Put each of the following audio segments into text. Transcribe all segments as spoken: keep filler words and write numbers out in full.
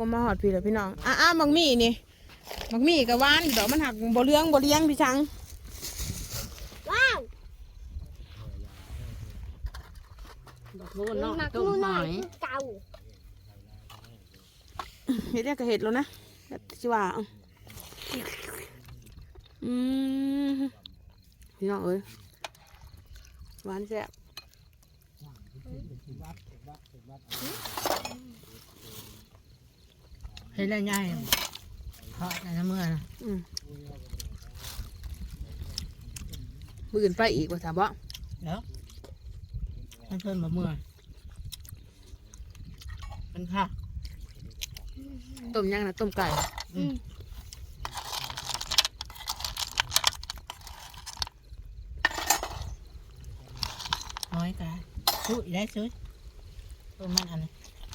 ก็มาหอดพี่เลยพี่น้องอ่ะอ่ะมักมี่นี่มักมี่กับหวานดอกมันหักบ่เลี้ยงบ่เลี้ยงพี่ชังว้าวดอกโน่นเนาะต้มหอยเก่าเห็ดเนี่ยก็เห็ดแล้วนะจิว่าอืมพี่น้องเอ้ยหวานแซ่บเห็ดอะไรใหญ่ทอดในน้ำเมื่อนะอืมมืออื่นไปอีกว่าถามบ่เดี๋ยวให้เพิ่นมาเมื่อเป็นค่ะต้มยังนะต้มไก่น้อยกันชุยได้ชุยต้มมันอันนี้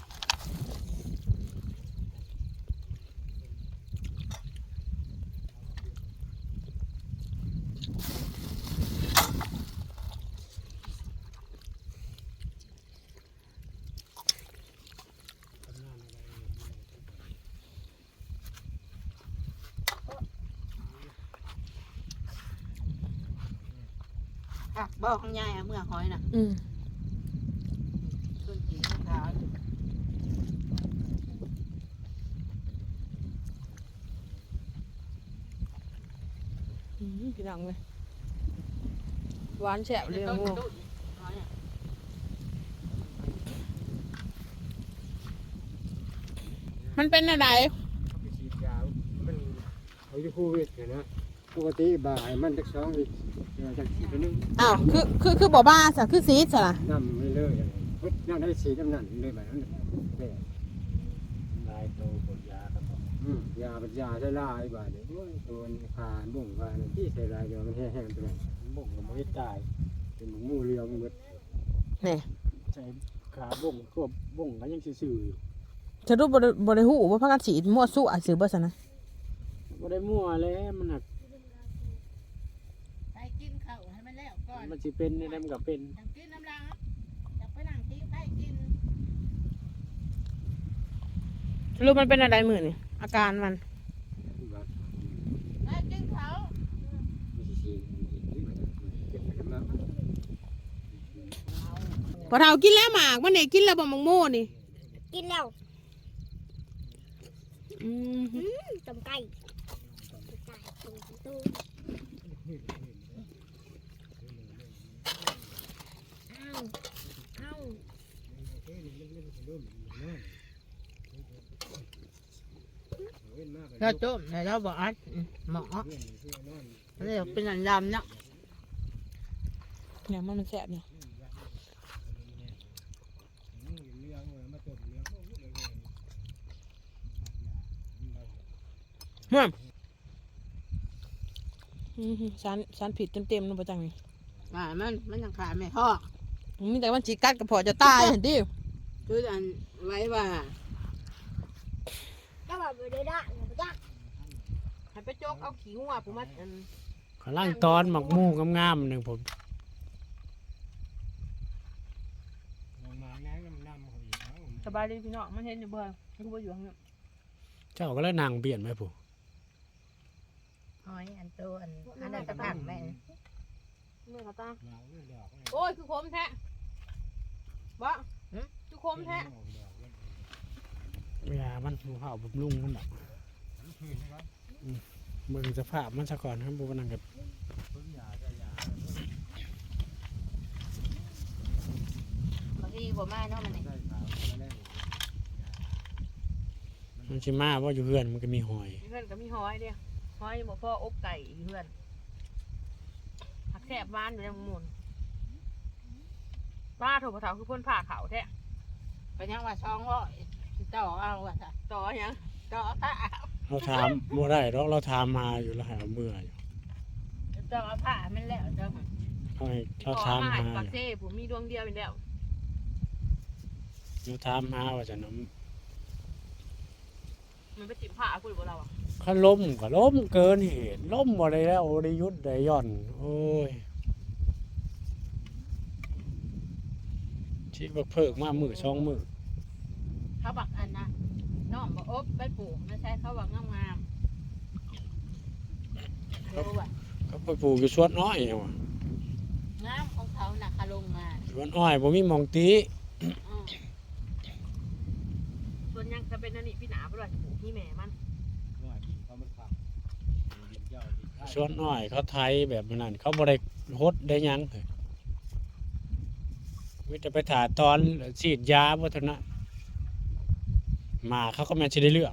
บ่ข้างใหญ่อะเมื่อหอยน่ะอืมต้นจีนขาวอืมพี่น้องเลยหวานแซ่บเลยโง่มันเป็นอะไรฉีดยามันเขาจะคู่วิทย์นะปกติบ่ายมันจะสองวิทย์จากฉีดไปนึงอ้าวคือคือคือบ่บ้าสะคือซีดสะน้ำไม่เลิกอะไรนั่งได้ฉีดน้ำนั่นเลยแบบนั้นเลยลายโตปวดยาครับอืมยาปัญญาใช้ลายบ่ายเลยตัวขาบุ่งขาที่ใช้ลายเดียวมันแห้งๆตัวนั้นบุ่งมันไม่ตายเป็นหมูเรียวมันนี่ใช้ขาบุ่งตัวบุ่งก็ยังซื่อจะรู้บ่บ่ได้ฮู้ว่าพักกันฉีดมั่วสู้อ่ะซื้อบ่ซะนะบ่ได้มั่วแล้วมันหักไปกินข้าวให้มันแล้วก่อนมันสิเป็นในน้ำกับเป็นกินน้ำล้างอยากไปล้างที่ไปกินรู้มันเป็นอะไรมื้อนี่อาการมันไปกินเขาพอเฒ่ากินแล้วหมากมันนี่กินแล้วบ่มังโม่นี่กินแล้วอืมต้มไก่ต้มไก่ต้มตู้อ้าวอ้าวเราโจมแต่เราบอกอัดหมอเรียกเป็นอันดำเนาะเนี่ยมันมันแซ่บเนี่ยม่วนสารสารผิดเต็มๆนู่นประจังนี่อ่ามันมันยังขาดไม่พอมีแต่มันจีกัดกับพอจะตายเห็นดิคืออันไว้ว่าก็แบบไม่ได้ด่างไม่ได้ให้ไปโจกเอาขี้หัวผมมาอันข้างล่างตอนหมักมูงามๆหนึ่งผมสบายดีพี่น้องมันเห็นอยู่เบอร์มันก็อยู่ข้างนี้เจ้าก็แล้วนางเบียนไหมผู้หอยอันตัวอันอันนั้นตะพังแม่เมื่อเขาตาโอ้ยคือคมแท้บ่คือคมแท้เวลามันหูเห่าบุบลุ่งมันแบบเบิ่งสภาพมันซะก่อนครับบุบนังกับบางทีบ่มาเนาะมันมันชิมาว่าอยู่เพื่อนมันก็มีหอยเพื่อนก็มีหอยเดียวหอยบ่พ่ออบไก่เพื่อนผักแซ่บบ้านอยู่ในหมุนป้าโถกระเถาคือพ่นผ่าเขาแท้ไปยังว่าช่องร้อยต่อเอาว่าต่อยังต่อตาเราถามบ่ได้เราเราถามมาอยู่แล้วหาเมื่ออยู่ต่อผ้ามันแล้วเจ้าเขาให้เราถามมาปักเซ่ผมมีดวงเดียวเป็นแล้วเราถามมาว่าจะน้ำมันไปจิ้มผ้าคุยกับเราอ่ะเขาล้มก็ล้มเกินเหตุล้มอะไรแล้วโอริยุทธ์ได้ย่อนโอ้ยชีบักเพิกมามือช่องมือเขาบักอันนะน้องบอกโอ้บไปปลูกไม่ใช่เขาว่างามงามๆรู้ว่าเขาไปปลูกอยู่สวนอ้อยเอาว่ะงามของเขาน่ะคาลงมาสวนอ้อยบ่มีหม่องตีอืมส่วนยังจะเป็นอันนี้พี่หนาบ่ว่าจะปลูกที่แม่มันสวนอ้อยเขาไถแบบนั้นเขาบ่ได้ฮดได้หยังเลยมีแต่ไปถ่าตอนฉีดยาบ่เท่านั้นหมาเขาก็แม่นสิได้เลือก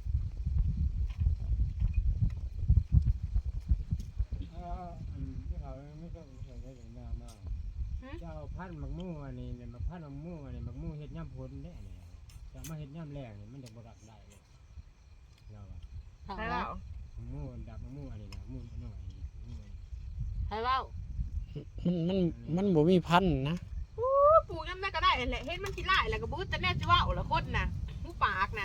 เจ้าพันธุ์มักมู่อันนี้เนี่ยมักพันธุ์มักมู่อันนี้มักมู่เฮ็ดย่ำพ้นแน่เนี่ยจะมาเฮ็ดย่ำแรงนี่มันจะบ่รักได้เลยเราอะทางใช่เราเปล่ามักมู่ดับมักมู่อันนี้นะมู่น้อยนี่มู่อันนี้ใช่เว่ามันมันมันบ่มีพันธุ์นะปลูกยังได้ก็ได้แหละเฮ็ดมันขี้ไล่แล้วก็บู๊แต่แน่สิว่าโอ้ละคนน่ะหูปากน่ะ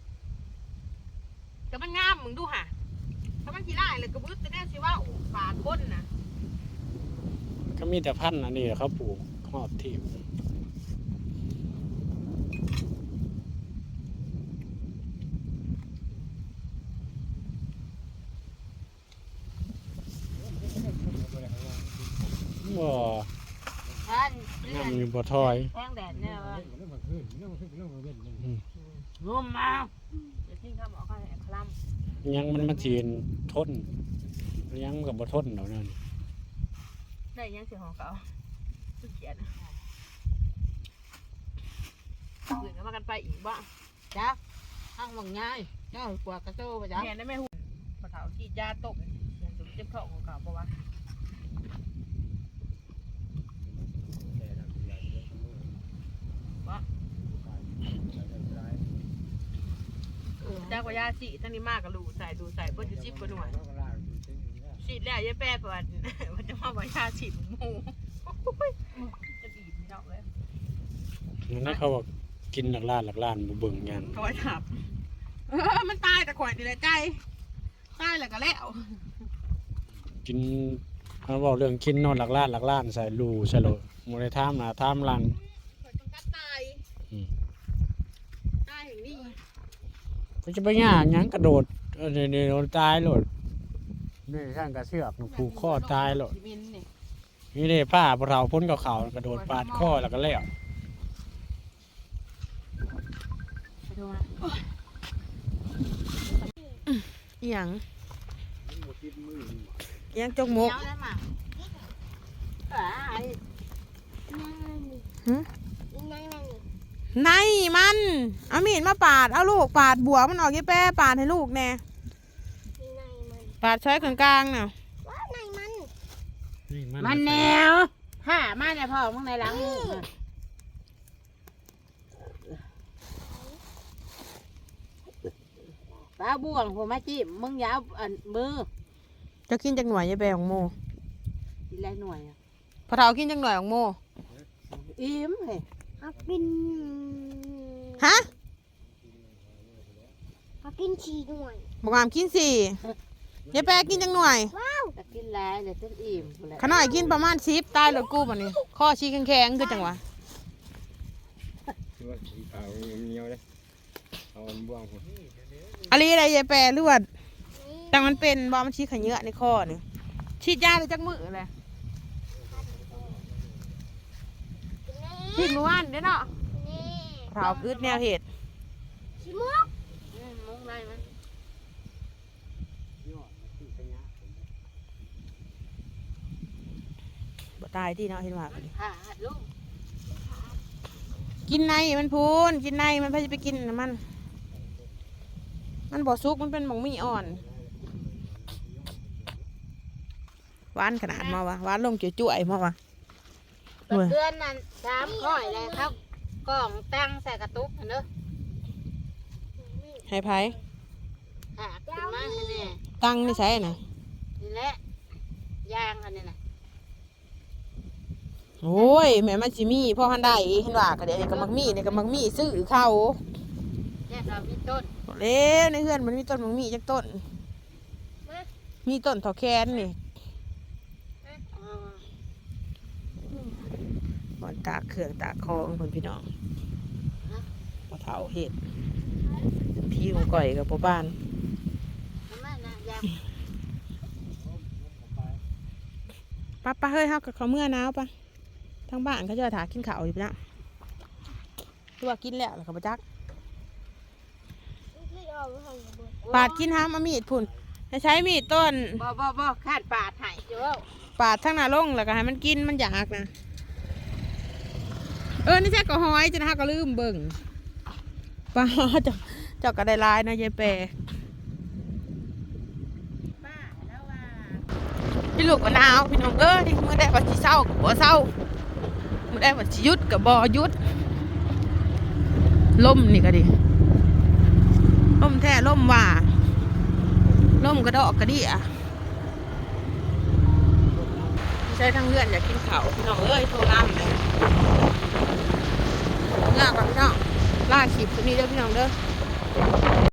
แต่มันงามมึงดูห่ะถ้ามันขี้ไล่แล้วก็บู๊แต่แน่สิว่าปากคนน่ะก็มีแต่พันธุ์อันนี้แหละเขาปลูกครอบที่บ่ท่านเลื่อนน้ำอยู่บ่ถอยแทงแดดเนี่ยว่าเรื่องมันขึ้นเรื่องมันขึ้นเรื่องมันเว้นงมมาเดี๋ยวทิ้งคำออกก็ให้คลยังมันมาจีนทนยังมันกับบ่ทนดอกนั่นำได้ยังเสียของเขาขี้เกียจอื่นก็มากันไปอีกบ้างจ้าทางหวังง่ายเจ้ากว่ากระโจไปจ้าแม่ได้ไม่หุ่นปะเถาฉีดยาตกเสียงสุดเจ็บท้องของเขาเพราะว่า จากว่ายาฉีดทั้งนี้มากกับดูใส่ดูใส่เพื่อจะชิบกว่าหน่วยฉีดแล้วยายแป้ประวัติมันจะมาว่ายาฉีดหมูจะดีไม่ดอกเลยนั่นเขาบอกกินหลักล้านหลักล้านบ่เบิ่งหยังคอยถับเออมันตายแต่ข่อยนี่แหละใจตายแล้วก็แล้วกินเขาบอกเรื่องกินนอนหลักล้านหลักล้านใส่รูใส่โลบ่ได้ถามหน้าถามหลังข่อยต้องกัดตายตายอย่างนี้ก็จะไปยากหยังกระโดดเออนี่ๆโดนตายโลดนี่ช่างกระเสือกผูกคอตายโลดมินนี่นี่เด้ป้าพวกเราพ้นกับเขากระโดดปาดคอแล้วก็แล้วไปดูนะอีหยังอีหยังจกมกเจ้าได้มาอ่าไอ้นั่งนั่นนี่หึนั่งนั่นนี่ในมันเอามีดมาปาดเอาลูกปาดบัวมันออกยี่แป้ปาดให้ลูกแน่ในมันปาดใช้กลางๆน่ะว่าในมันนี่มันแนวห้ามาในพ่อมึงในหลังมึงน่ะตาบ่วงผมมาจิ้มมึงอยาวอันมือจะกินจากหน่วยยี่แป้ของโมกินไรหน่วยอ่ะพอเท้ากินจากหน่วยของโมอิ่มเฮ้ยเอากินฮะเอากินฉี่หน่อยบอกงามกินสี่ยี่แป้กินจากหน่วยจะกินไรเดี๋ยวจะอิ่มพุ่นแหละขน่อยกินประมาณสิบตายเลยกูบันนี้ข้อชี้แข็งๆคือจังหวะเอาเหนียวเลยเอาอันบ่วงพุ่นอะไรอะไรยี่แป้เลือดแต่มันเป็นบอมันชี้ขยเยอะในข้อนี่ฉีดยาเลยจักมือเลยฉีดเมื่อวานเด้อเนาะนี่เผาพืชแนวเหตุชิมุกอืมมุ้งไรมันบ่ตายที่เนาะเห็นว่าผ่าลูกกินในมันพูนกินในมันพาจะไปกินน่ะมัน มันบ่ซุกมันเป็นหมองมีอ่อนหวานขนาดมาวะหวานลงจุ๋ยๆมาวะเปิดเดือนนั้นสามข้อยเลยครับกล่องตั้งใส่กระตุกเห็นเด้อให้ไผหักขึ้นมาให้แน่ตั้งนี่ใช่น่ะนี่แหละยางอันนี้นะโอ้ยแม่มันสิมีพ่อหันได้เห็นว่าก็เดี๋ยวนี้ก็มักมีนี่ก็มักมีซื้อเขาแยกเรามีต้นเร็วในเฮือนมันมีต้นมักมีจักต้น มีต้นเถาแคนนี่อ่าบ่อนตากเครื่องตากของเพิ่นพี่น้องบ่เฒ่าเฮ็ดที่ของก่อยกับพ่อบ้านประมาณนั้นยป้าป้าเฮ้ยเฮากับเขาเมื่อหนาวปะทางบ้านเขาจะถากินข้าวอยู่ปะนะตัวากินแล้วแล้วเขาไปจักำคือออกมาทางบนปาดกินห้ามเอามีดพุ่นให้ใช้มีดต้นบ่บ่บ่คาดปาดให้เจ้าปาดทั้งหน้าลงแล้วก็ให้มันกินมันอยากนะเออนี่แท้ก็หอยจะนะฮะก็ลืมเบิ่งป้าเจ้าเจ้าก็ได้ลายนะยายแปรพี่ลูกมะนาวพี่น้องเอ้ยเมื่อได้ว่าสิเศร้ากับบ่เศร้าเมื่อได้ว่าสิหยุดกับบ่หยุดล่มนี่ก็ดิล่มแท้ล่มว่าล่มกระดอกกระดิ่ะใช้ทั้งเลื่อนอยากกินข้าวพี่น้องเอ้ยโทรน้ำเลยลาก่อนพี่น้องลาคลิปตัวนี้เด้อพี่น้องเด้อ